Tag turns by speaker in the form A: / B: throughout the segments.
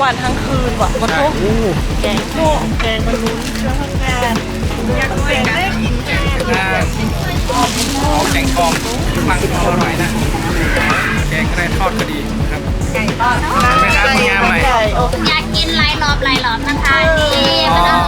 A: วันทั้งคืนว่ะมันทุกแกงโคกแกงมันลุ้นเครื่องทำงานอยากแกงได้กินแกง
B: แกงทองฟังอร่อยนะแกงกระไรทอดก็ดีครับ
C: ไก่ทอด
B: ไม่ครับงามใหม่
C: อยากกินหลายรอบนะคะนี่มันอร่อย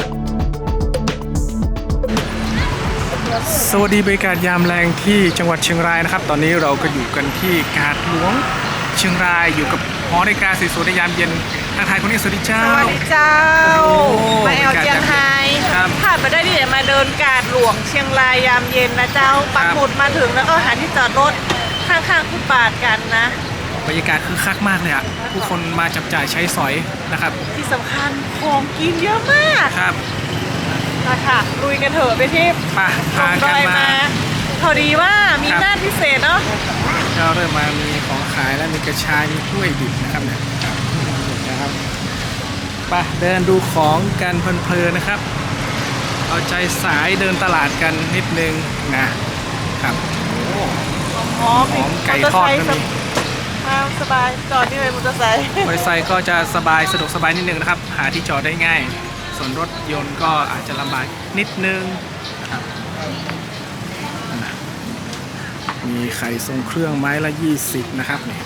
B: สวัสดีบรรยากาศยามแรงที่จังหวัดเชียงรายนะครับตอนนี้เราก็อยู่กันที่กาดหลวงเชียงรายอยู่กับหอนาฬิกาสวยๆในยามเย็นทางไทยคนนี้สวัสดีเจ้า
A: สวัสดีเจ้า มาแอลเจียงไฮ
B: ครับ
A: ผ่านมาได้ที่ไหนมาเดินกาดหลวงเชียงรายยามเย็นนะเจ้าปักหมุดมาถึงแล้วก็หาที่จอดรถข้างๆฟุตบาทกันนะ
B: บรรยากาศคือคักมากเลยอ่ะผู้คนมาจับจ่ายใช้สอยนะครับ
A: ที่สำคัญของกินเยอะมาก
B: ครับ
A: มาค่ะลุยกันเถอะไปที่
B: ป่ะพา
A: ด
B: กัน
A: อย
B: มา
A: มาพอดีว่ามี
B: ครับ
A: หน้าพิเศษเนาะ
B: ก็เริ่มมามีของขายแล้วมีกระชายมีกล้วยดิบนะครับเนี่ยนะครับป่ะเดินดูของกันเพลินๆนะครับ เอาใจสายเดินตลาดกันนิดนึงนะครับโอ้
A: หอม
B: หอมไก่ทอดก็มี
A: มาสบายจอดที่ไหนมอเตอร์ไซค์
B: มอเตอร์ไซค์ก็จะสบายสะดวกสบายนิดนึงนะครับ หาที่จอดได้ง่าย ส่วนรถยนต์ก็อาจจะลำบากนิดนึงนะครับมีไข่ทรงเครื่องไม้ละ20นะครับนี่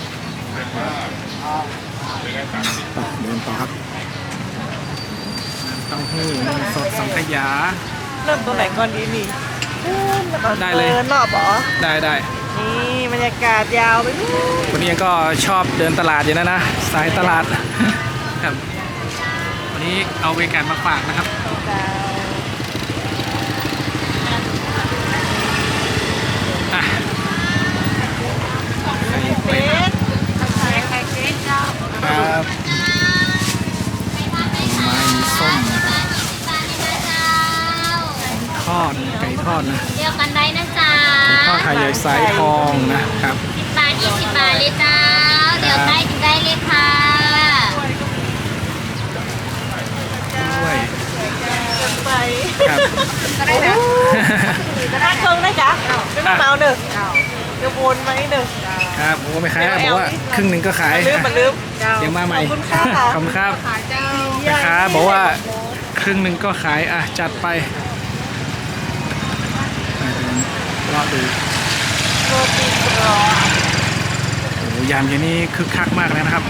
B: ไปเดินต่อครับน้ำเต้าหู้นมสดสังขยา
A: เริ่มตัวไหนก่อนดีนี่
B: ได้เลย
A: เดินรอบเหรอ
B: ได้
A: นี่บรรยากาศยาวไปนู่น
B: วันนี้ก็ชอบเดินตลาดอยู่นะสายตลาดครับวันนี้เอาบรรยากาศมาฝากนะครับ
A: เจ้า
B: อ่ะไข่เป็ด
C: ไข่เค้กเจ้า
B: ครับผลไม้มีส้มนะครับทอดไก่ทอดนะ
C: เดียวกันได้นะจ๊ะ
B: ทอดไข่ใหญ่สายทองนะครับ
C: 10 บาท 20 บาทเลยเจ้าเดี๋ยวได้กินได้เลยค่ะ
B: ด้วย
A: เดินไป
B: ครับ
A: ก็ได้นะถ้าเครื่องได้จ้ะไม่ต้องมาเอาหนึ่งเดี๋ยววนมาอีกหนึ่ง
B: ครับโอ้ไม่ขายบอกว่าครึ่งหนึ่งก็ขาย
A: มันลืม
B: เดี๋ยวมาใหม่
A: ขอบคุณค่ะ
B: ขอบคุณครับแม่ค้าบอกว่าครึ่งหนึ่งก็ขายอ่ะจัดไปรอดู
A: โรตีกรอบ
B: โอ้ยามเย็นนี้คึกคักมากเลยนะครับ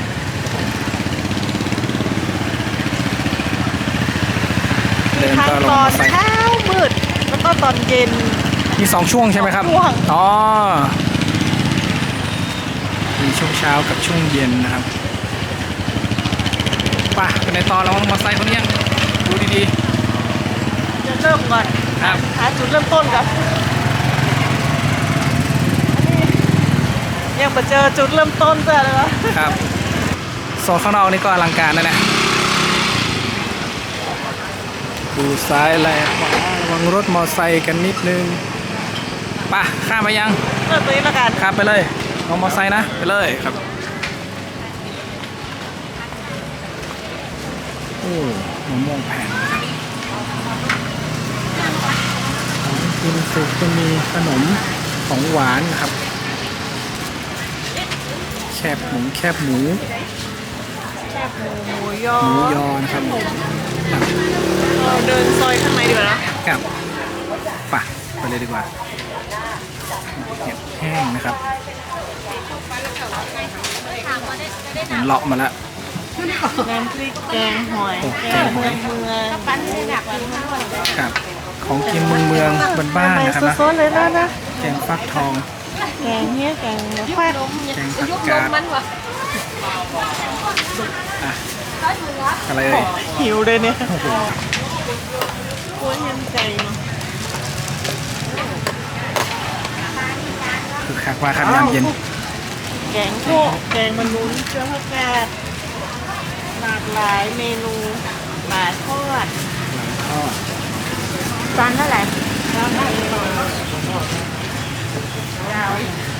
B: เดิน
A: ทั้ง
B: ก็ล
A: ต
B: ง
A: อ
B: มาน ใส่
A: เช้ามืดแล้วก็ตอนเย็น
B: มี2ช่วงใช่ไหมครับ
A: สองช่วง
B: อ๋อมีช่วงเช้ากับช่วงเย็นนะครับป่ะเป็นในตอนเรามาใส่คนนี้ยังดูดี
A: จะเริ่มก่อน
B: ๆครับ
A: หาจุดเริ่มต้นกันยังมาเจอจุดเริ่มต้นเจอเลยวะ
B: ครับโซนข้างนอกนี่ก็อลังการนะดูซ้ายและขวาระวังรถมอไซค์กันนิดนึงป่ะข้ามไปยัง
A: เริ่มตัวนี้ละกัน
B: ครับไปเลยเอามอไซค์นะไปเลยครับโอ้มะม่วงแผ่นนะครับของกินสุกก็มีขนมของหวานนะครับแคบหมู
A: แคบหมูหมูยอ
B: หมูยอนะครับครับ
A: เราเดินซอยข้างในดีกว่านะ
B: กับป่ะไปเลยดีกว่าเห็ดแห้งนะครับมันเลาะมาแล้ว
A: น้ำพริกแกงหอย
B: โอ้
A: แก
B: แก
A: ง
B: งห
A: เมื
B: อ
A: อย งเมืองปั้นให้หนักเลย
B: ครับของกินเมืองบ้านๆนะครับนะ
A: สดๆเลยนะ
B: แกงฟักทอง
A: แกงเนี้ยแกงแควด
B: แกงผักกาดอ่ะอะไรเอ่ย
A: หิวเลยเนี่ย
B: โอ้โห
A: กวนยันใจเนาะ
B: คือคักว่าครับยามเย็น
A: แกงโคกแกงมันลุ้นเครื่องผักกาดหลากหลายเมนูปลาทอด
B: ทอด
C: จานเท่าไหร่
A: ข้าวมันยาว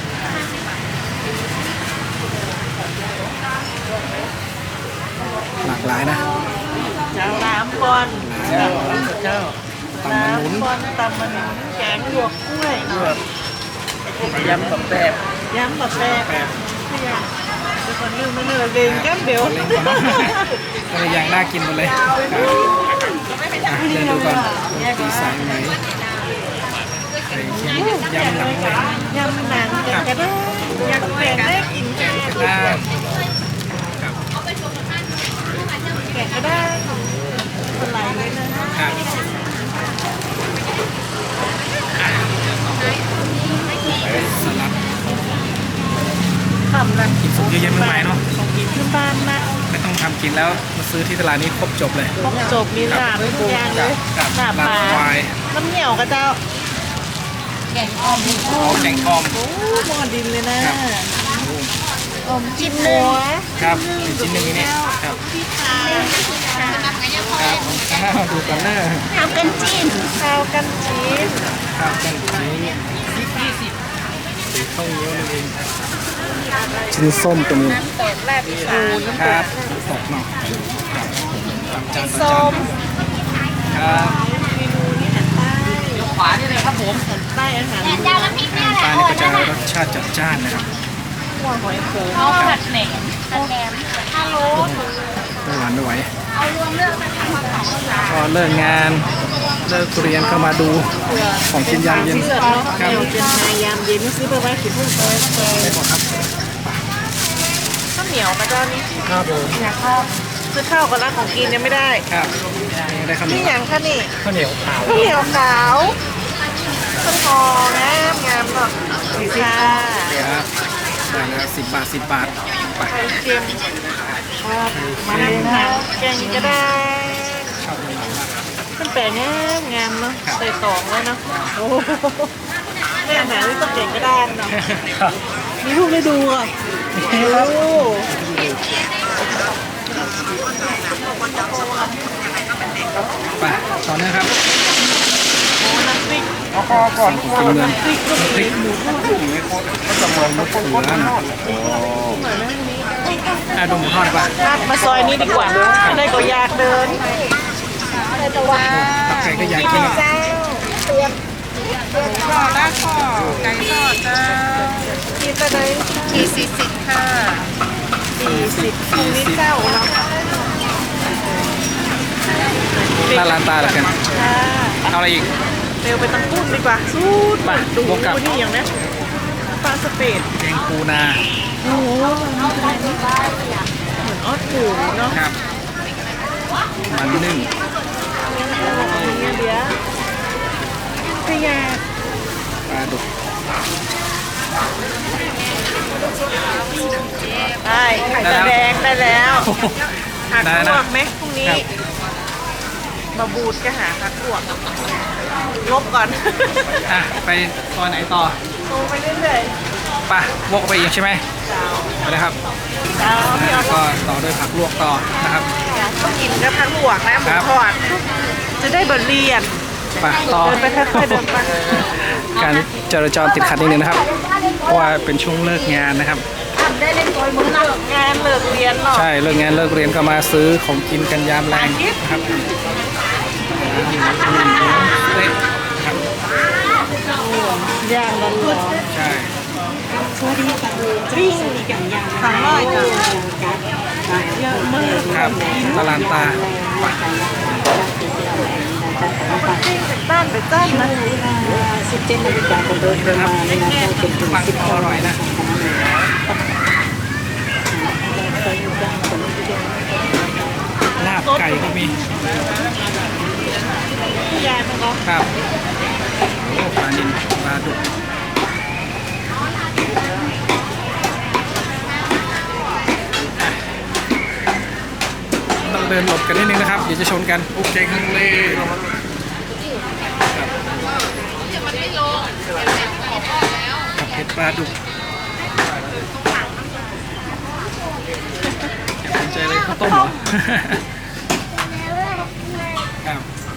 B: หลากหลายนะ
A: น้ำบอล
B: เจ้าตำมันหนุน
A: น้ำบอลตำมันหนุนแกงหยวกกล้วย
B: ยำแบบแบบ
A: ยำแบบแปบ
B: แบบ
A: เพื่อจะคนลืมไม่เลยเองแก้มเดียว
B: เล่นก่อนเนาะก็เลยอย่างน่ากินหมดเลยครับเดินดูก่อนตีสายไหมไข่เค็มยำหนังเลย
A: ยำหนังแกงกระด้างยำแกงได้กิน
B: แกงกระด้างครับ
A: แกงกระด้างคนไหลเลยนะครับ
B: สลัด
A: ทำละ
B: กินสุกเยอะแยะมากมายเนาะ
A: ของกินขึ้นบ้านนะ
B: ไม่ต้องทำกินแล้วมาซื้อที่ตลาดนี้ครบจบเลย
A: ครบจบมีลาบทุกอย่างเลย
B: ครับ
A: ลาบปลา
B: ควาย
A: น้ำเหนียวกระเจ้า
C: แกงอ่อม
B: โอ้แกงอ่อม
A: โอ้หม้อดินเลยนะครับ อมจิ้มหัว
B: ครับอีกชิ้นหนึ่งนี่ครับ
A: พี่ขา
B: ครับข้าวดูกันหน้า
C: ทำกันจิ้ม
A: ข้าวกันจีน
B: ครับกันชิ้นสีข้าวเหนียวนั่นเองชิ้นส้มตัวนี้
A: ตกแรกพี่ขาน้ำ
B: ค
A: ต
B: รับ
A: ก
B: ตกหน่อยครับตักจานตัก
A: ส้
B: จาน
A: ม
B: ครับ
A: เมนูนี้อาหารใต้
D: ขวานี่เลยครับผม
A: อาหารใต้อาหาร
C: แต่เจ้าน้ำพริกเนี่ยแหละ
B: ปลาเนี่ยก็จะรสชาติจัดจ้านนะครับ
A: หัวหอยโขง
C: เอาผัดแหนมผัดแหนมฮัลโหล
B: ไม่หวานไม่ไหว
C: เอารวมเรื่องนะคะมาสองอย่าง
B: พอเลิกงานเลิกเรียนก็มาดูของกินยามเย็น
A: เลือดเนาะเดี๋ยวเป็นนายยามเย็นซื้อไปไว้กินเพิ่มเติมเลย
B: ได้หมดครับ
A: ข้าวเหนียวกระเจ้านี่
B: ครับผม
A: อยากข้าวซื้อข้าวกับร้านของกินยังไม่ได้
B: ครับได้คำ
A: นี่
B: นี้
A: อย่างค่ะนี่
B: ข้าวเหนียวขาว
A: ข้าวเหนียวขาวต้นหองามงามเนาะค่ะ
B: ครับจานละ10 บาท 10 บาทไป
A: ไข่เค็มครับมันหนังแกงก็ได้
B: ชอบมันมาก
A: มันแปลงงามเนาะใส่ตองไว้เนาะโอ้โหแม่อาหารนี่ต้องแกงก็ได้เนาะ
B: ครับ
A: มีลูกได้ดูอ่ะโอ้โห
B: ไปต่อเนื่องครับ
A: น้ำพริก
B: เอาคอก่อนกินเงิน
A: น้ำพริกก็มีหมูทอด
B: ก็จะมองมะเขือนะดูหมูทอดดีกว่า
A: มาซอยนี้ดีกว่าได้ก็อยากเดินแต่ว่า
B: ตักไก่ก็อยากกิน
A: เจ้าทอดแล้วข้อไก่ทอดจ้าคิดไปเลยที40ค่ะ40คูนี่เจ้าเนาะ
B: หน้าร้านตาแล้วกัน
A: ค่ะ
B: เอาอะไรอีก
A: เร็วไปตังกุ้งดีกว่าสูด
B: ไป
A: ดู
B: บวกกับ
A: นี่อย่างนี้ปลาสเปด
B: แกงปูนา
A: โอ้โหเหมือนออดปูเนาะ
B: ครับมันนึ่ง
A: เดี๋ยวขยะ
B: ปลาดุก
A: ได้ไข่ตาแดงได้แล้วหักลวกไหมพรุ่งนี้ มาบูดก็หาหักลวกลบก่อน
B: อ่ะไปซอยไหนต่อ
A: โตไปเรื่อย
B: ไป่ะวกไปอีกใช่ไหม
A: ๆเจ้า
B: ไปเลยครับ
A: เจ้าพี่เอา
B: ก็ต่อด้วยผักลวกต่อนะครับ
A: ต้องกินกับผักลวกนะหมูทอดจะได้บทเรียน
B: ไปต่อ
A: เดินไปค่อยๆเดินไป
B: การจราจรติดขัดนิดนึงนะครับ เพราะว่าเป็นช่วงเลิกงานนะครับ
A: ทำได้เล่นตัวมือเลิกงานเลิกเรียนเนาะ
B: ใช่เลิกงานเลิกเรียนก็มาซื้อของกินกันยามแรงนะครับเละครับ
A: ย่างร้อน
B: ใช่
A: ๆปิ้งทำร้อยจ้ะเยอะมาก
B: ครับตลาดตาไป
A: บ้านไปจ้านนะ
B: นี่นะครับฟังพออร่อยนะลาบไก่ก็มี
A: ยายมันก็
B: ครับโอ้ปลานิลปลาดุกต้องเดินหลบกันนิดนึงนะครับ เดี๋ยวจะชนกันโอเคข้างเลยกับเผ็ดปลาดุกอย่าสนใจเลยข้าวต้มเหรอ ครับ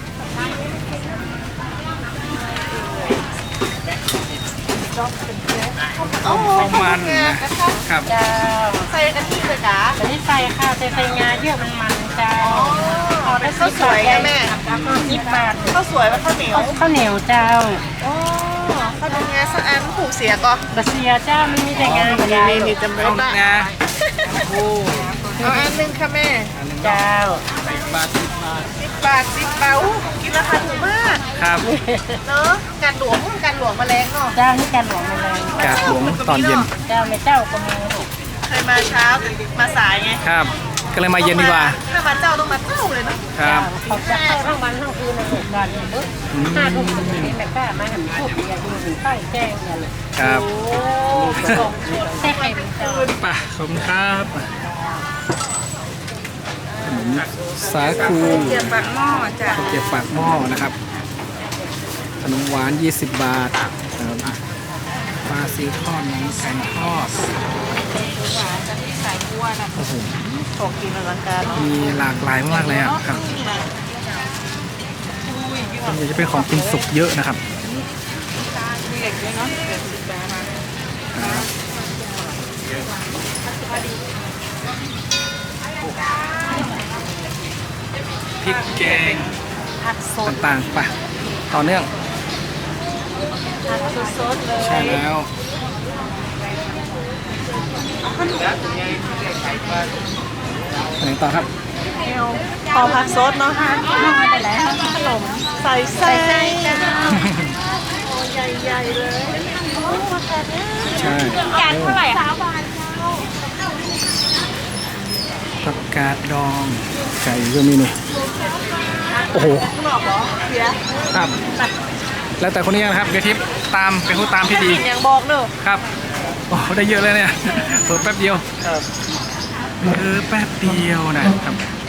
A: โอ้โห
B: มันนะครับ
A: ใส่กะทิเลยจ้ะ
E: อันนี้ใส่ค่ะใส่งาเยอะมันจ้า
A: อ๋อได้ข้าวสวยไงแม่
E: 10 บาท
A: ข้าวสวยว่าข้าวเหนียว
E: ข้าวเหนียวเจ้า
A: อ๋อข้าวเหนียวงาสักอันผูกเสียก็
E: บะเซียเจ้ามันมีแต่งา
A: นี่
E: ใหญ่
A: นี่จำไม่
B: ข้าว
A: ได้
B: งาโอ้
A: เอาอันหนึงค่ะแม่
B: อันหนึง
E: เจ้า
B: 10 บาท 10 บาท
A: 10 บาท 10 บาทอู้กินราคาถูกมาก
B: ครับ
A: เนาะการหลวงแมลงเนาะ
E: เจ้านี่การหลวงมาเลย
B: กาดหลวงตอนเย็น
E: เจ้าไม่เจ้าก็มีลูก
A: เคยมาเช้ามาสายไง
B: ครับ ก็เลยมาเย็นดีกว่า
A: ถ้ามาเจ้าต้องมาเจ้าเลยเนาะ
B: ครับ
E: เขาจะเข้าทั้งวันทั้งคืนในหมู่บ้านนี่ปึ๊บ5 ทุ่มถึงนี้แม่ก้ามาหันพูดอย่าดูถึงใต้แจ้งอย่าเลย
B: ครับ
A: โอ้ส่ง
E: แค่ใครเป็นเจ้า
B: ไป่ะขอบคุณครับขนมสาคู
A: เกียบปากหม้อจ้ะ
B: ข้าวเกรี๊ยวปากหม้อนะครับขนมหวาน 20 บาทครับปลาซีทอดน้ำแข็งทอด
A: หวานจะที่สายบัวนะ
B: โอ้โห
A: ของกินอลังการเนาะ
B: มีหลากหลายมากเลยอ่ะครับส่วนใหญ่จะเป็นของกินสุกเยอะนะครับ
A: มีเด็กด้วยเนาะเด็ก10 บาท
B: พริกแกง
A: ผักสด
B: ต่างๆไปต่อเนื่อง
A: ผักสดๆเลย
B: ใช่แล้วไปไหนต่อครับ
A: เอาพอผักสดเนาะค่ะขนมใส่ไส้โอ้ใหญ่ๆเลยโอ้มาแต่เนี่ย
B: ใช่
A: จานเท่าไหร่คะ
B: ผักกาดดองไก่ก็มีนี่โอ้โห
A: ข้างนอกเหรอเสีย
B: ครับ แล้วแต่คนนี้นะครับเดี๋ยวทิปตามเป็นผู้ตามที่ดี
A: กินอย่างบอกเนอะ
B: ครับโอ้ได้เยอะเลยเนี่ยเปิดแป๊บเดียวแป๊บเดียวนะครับไป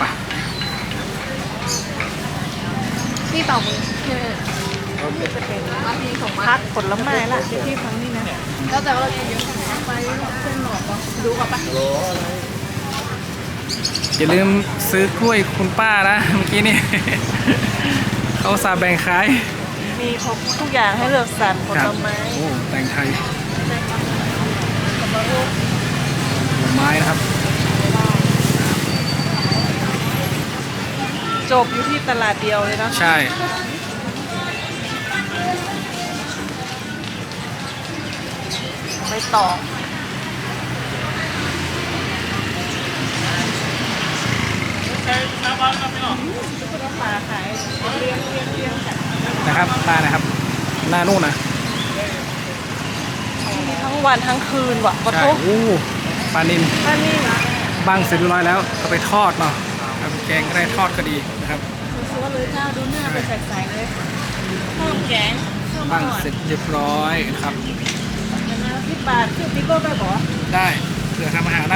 A: นี่เป่ามือจะเป็นพักผลไม้ละที่ทั้งนี้นะแล้วแต่ว่าเราจะเยอะไปเส้นหลอดดูก่อนปะ
B: อย่าลืมซื้อกล้วยคุณป้านะเมื่อกี้นี่ เขาอุตสาห์แบ่งขาย
A: มีครบทุกอย่างให้เลือกสรรผ
B: ครั
A: ล
B: บ
A: ไม้
B: โอ้แต่งไทยผลไม้นะครับ
A: จบอยู่ที่ตลาดเดียวเลยเนาะ
B: ใช่
A: ไปต่อปลาขายเรียงกัน
B: นะครับปลานะครับ หน้านู่นนะ
A: ทั้งวันทั้งคืนว่ะปะ
B: ใช่
A: ทุก
B: โอ้ปลานิล
A: ท่านนี่
B: บังเสร็จเรียบร้อยแล้วเอาไปทอดเนาะครับแกงก็ได้ทอดก็ดีนะครับ
A: ซื้อเลยเจ้าดูหน้าไปใส่เลยเพิ่มแกงเพิ่ม
B: บัง
A: หน่อย
B: เสร็จเรียบร้อยนะครับ
A: 10 บาทคือพี่โก้ไปบอก
B: ได้เผื่อทำอาหารนะ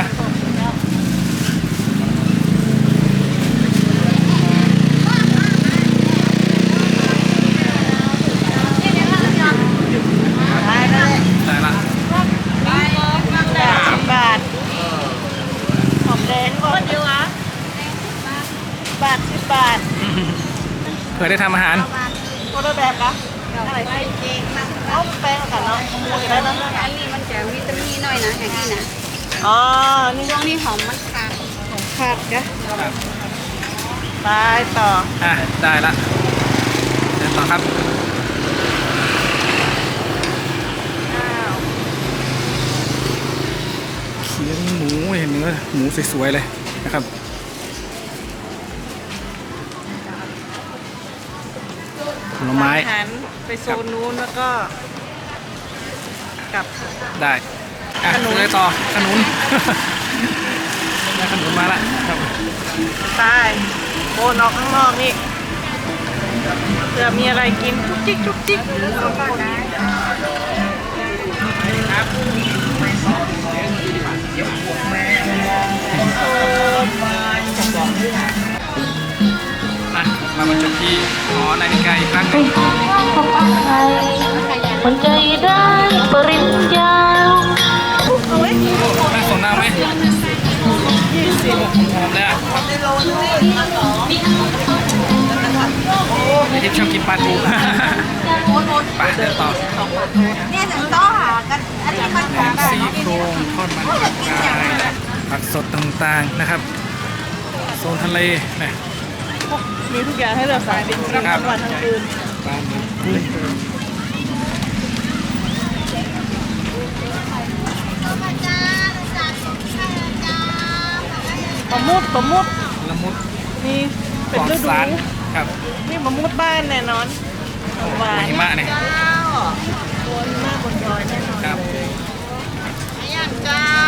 A: ได้เลย
B: ได้ละ
A: 10 บาทหอมแดงก่อนเดียวอ่ะบาท10 บาท
B: เผื่อได้ทำอาหาร
A: คนละแบบนะอะไรไส้เจงเอาแป้งกันเนาะได้แล้วนะ
C: อันนี้มันจะวิตามินหน่อยนะอย่างนี้นะ
A: อ๋อ นี่
C: ช่วงนี้หอมมันขาด
A: ของขาดกะไปต่อ
B: อ่ะได้ละเดินต่อครับ
A: อ้าว
B: เคียงหมูเห็นเนื้อหมูสวยๆเลยนะครับผลไม้
A: หันไปโซนนู้นแล้วก็กลับ
B: ได้อ่ะ
A: ขนุน
B: เลยต่อขนุน ได้ขนุนมาละครับ
A: ใต้โบนออกข้างนอกนี่เผื่อมีอะไรกินจุกจิกจุกจิก
B: อ่ะเรามาจบที่หอนาฬิกาอีกครั้งหนึ่ง
D: หัวใจได้ปริญญา
A: เอาไว้
B: โอ้น่าสนน่าไหมหอมเลยอ่ะไอทิพย์ชอบกินปลาทู ไปเดินต่อ
C: เนี่ยจะต้องหากันอันนี้มัน
B: แหนมซี่โครงทอดมันผักกายผักสดต่างๆนะครับ โซนทะเลนะ
A: มีทุกอย่างให้เลือกสรรจริงๆทั้งวันทั้งคืน
B: ปลาหมึกกุ้ง
A: มะมุดมะมุด
B: ละมุด
A: นี่
B: ป
A: เป็น
B: ลอด
A: ฤดู
B: สารครับ
A: นี่มะมุดบ้านแน่นอนหวาน
B: หิมะเนี่ย
A: เจ้าตัวหิมะบนดอยแน่นอน
B: ครับ
A: ไอ้ย่างเจ้า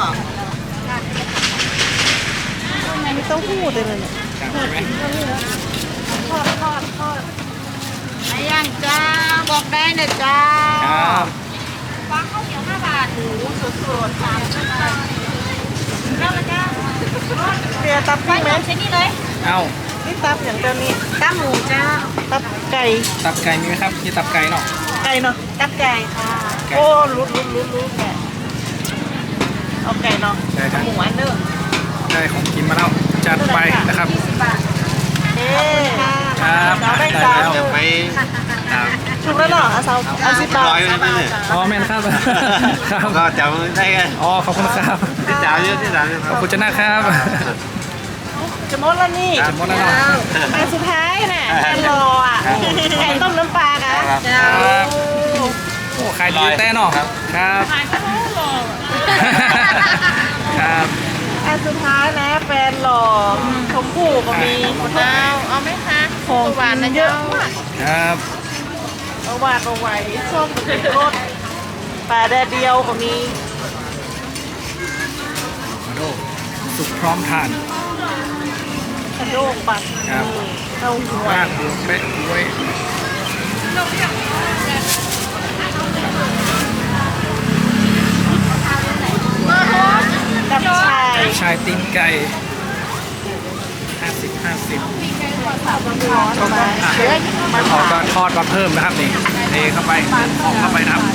A: ไม่ต้องพูดเลยเนี่ย
B: ครับใช่ไหม
A: ทอดไอ้ย่างเจ้าบอกได้นะเจ้า
B: ครับ
A: วางข้าวเหนียว5 บาทหมูสดๆ3 บาทเจ้าละเจ้าเตียตับพี่ไหมใช่นี่เลย
B: เอ้า
A: นี่ตับอย่างเดียวนี้ตับหมูเจ้าตับไก่
B: ตับไก่มีไหมครับมีตับไก่เนาะ
A: ไก่เนาะตับไก่ค่ะโอ้รู้แก่เอาไก่เนาะ
B: ได้ครับ
A: หมูอันเนอร์
B: ได้ของกินมาแล้วจัดไปนะครับ
A: 20 บาทเอ๊
B: ครับ
A: เราได้
B: ได้
A: สาว
B: แล้ว
A: อยู่
F: ไปครับ
A: ถูกแล้วเนาะเอา10 บาท
F: ร้อยไว้ไหมเนี่ย
B: อ๋อแม่นครับ ครับ
F: ก็จำได้กัน
B: อ๋อขอบคุณครับ
F: ที่สามเยอะที่สามเยอะ
B: ขอบคุณเจ้าหน้าครับ
A: จะหมดแล้วนี่
B: จะหมดแล้วเนาะ
A: อันสุดท้ายน่ะแกนรออ่ะไก่ต้มน้ำปลาค่ะ
B: ครับ โอ้ขายดีแต่เนาะครับครับครับ
A: อันสุดท้ายนะแฟนหล่อชมพู่ก็มีเอาไหมคะของหวานเยอะมาก
B: ครับ
A: เอาหวานเอาไหวส้มเป็นรสปลาแดดเดียวก็มี
B: มาโดสุกพร้อมทาน
A: กระโดกปัด
B: ครับ
A: เต้าหว
B: ว่าน บวกเป๊ะไว้
A: กับชาย
B: ชายติ้งไก่50
A: ประมาณ
B: อ่ะมาขอก็ทอดมาเพิ่มนะครับนี่เทเข้าไปออกเข้าไปนะครับ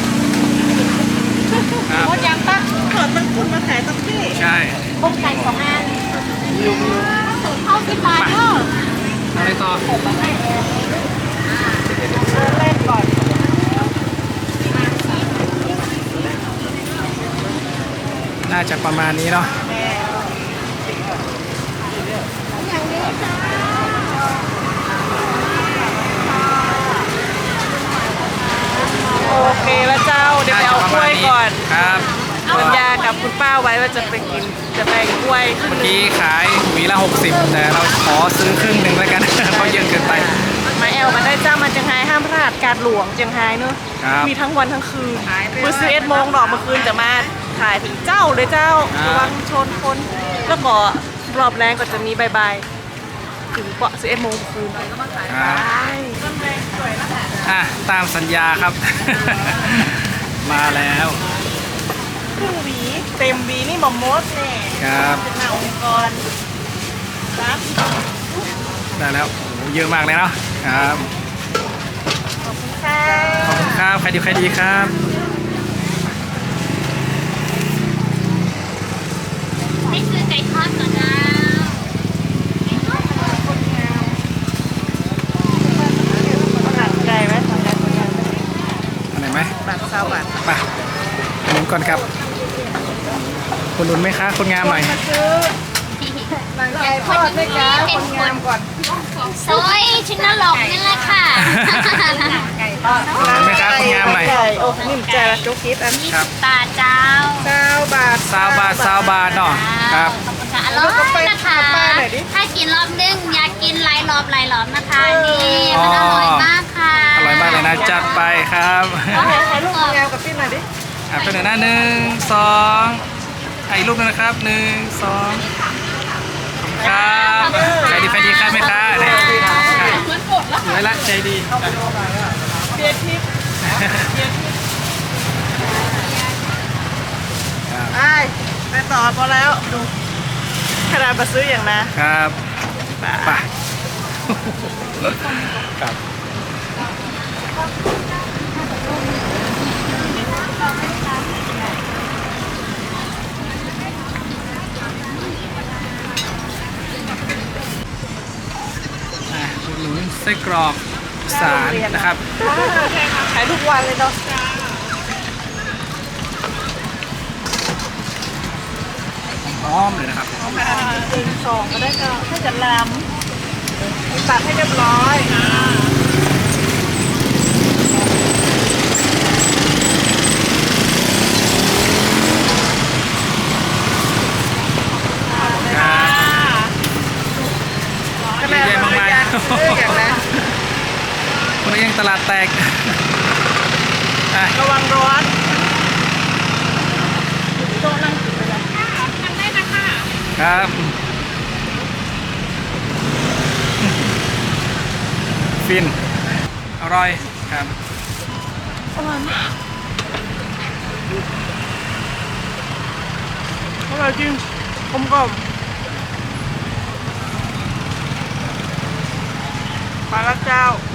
B: ครับ
A: หมดยังปะเขินมันคุณมาขายตั้งที่
B: ใช่
C: บุกไก่2 อันเข้า10 บาทเนาะ
B: อะไรต่อ
A: เล่นก่อน
B: น่าจะประมาณนี้เนาะ
A: โอเคแล้วเจ้าเดี๋ยวไปเอากล้วยก่อน
B: ครับ
A: สัญญากับคุณป้าไว้ว่าจะไปกินจะไปกล้วยขึ้น
B: เมื่อกี้ขายหวีละ60แต่เราขอซื้อครึ่งหนึ่งแล้วกัน เพราะเยอะเกินไป
A: มาแอลมาได้เจ้ามาจังไห้ห้ามพลาดการหลวงจังไห้เนอะ
B: ครับ
A: มีทั้งวันทั้งคืนมือ11 โมงดอกเมื่อคืนจะมาขายถึงเจ้าเลยเจ้าระวังชนคนแล้วก็รอบแรงก็จะมีบายถึงเกาะ11 โมงคืน
B: ครับ
A: ใช่ต้นแรงสวยนะคะ
B: อ่ะตามสัญญาครับ มาแล้ว
A: ครึ่งหวีเต็มหวีนี่หมอมดแน่
B: ครับ
A: เป็นหน้าองค์กรครับ
B: ได้แล้วโอ้โหเยอะมากเลยเนาะครับ
A: ขอบคุณค่ะ
B: ขอบคุณครับใครดีใครดีครับ
C: นี่คือไก่ทอดก่อนนะ
A: หนังไก่ไหมทำไก่ทำไก่
B: อันไหนไหม
A: บาทเศร้าบาท
B: ไปหนุนก่อนครับคุณหนุนไหมคะคนงามหน่อย
A: มาซื้อไก่ทอดด้วยกันคนงามก่อน
C: ซอยชิ้นละหลอกนี่แหละค่ะ
B: หนุนไหมคะคนงามหน่อย
A: ไก่โอ้นิ่มใจละจุกคิดอัน
B: ครับ
C: บาทเจ้า
A: 9 บาท
B: 20 บาทเนาะครับ
C: ขอบคุณค่ะอร่อยนะคะ ถ้ากินรอบนึงอยากกินหลายรอบนะคะนี่มันอร่อยมากค่ะ
B: อร่อยมากเลยนะจัดไปครับ
A: เอาไหนถ่ายรูปคนงามกับพี่หน่อยดิ
B: อ่ะเป็นหนึ่งหน้า1 2ถ่ายรูปหนึงนะครับ1 2ครับใครดีใครดีครับไหมคะเนี่ยสวยละใจดี
A: เบียร์ทิพย์ไปต่อพอแล้วดูขนาดมาซื้ออย่างนะครับ
B: ไปครับอุดหนุนไส้กรอกอีสารนะครับ
A: ขายทุกวันเลยเนาะ
B: หอมเลยนะครับ
A: จริง2ก็ได้ก็ถ้าจะลำตัดให้เรียบร้อย
B: ยังตลาดแตกอ่ะ
A: ระวังร้อนโต๊ะนั่งกินไปเลย
B: ครับ ฟิน อร่อยครับ
A: อร่อยมากอร่อยจริงกลมกล่อมมาแล้วเจ้า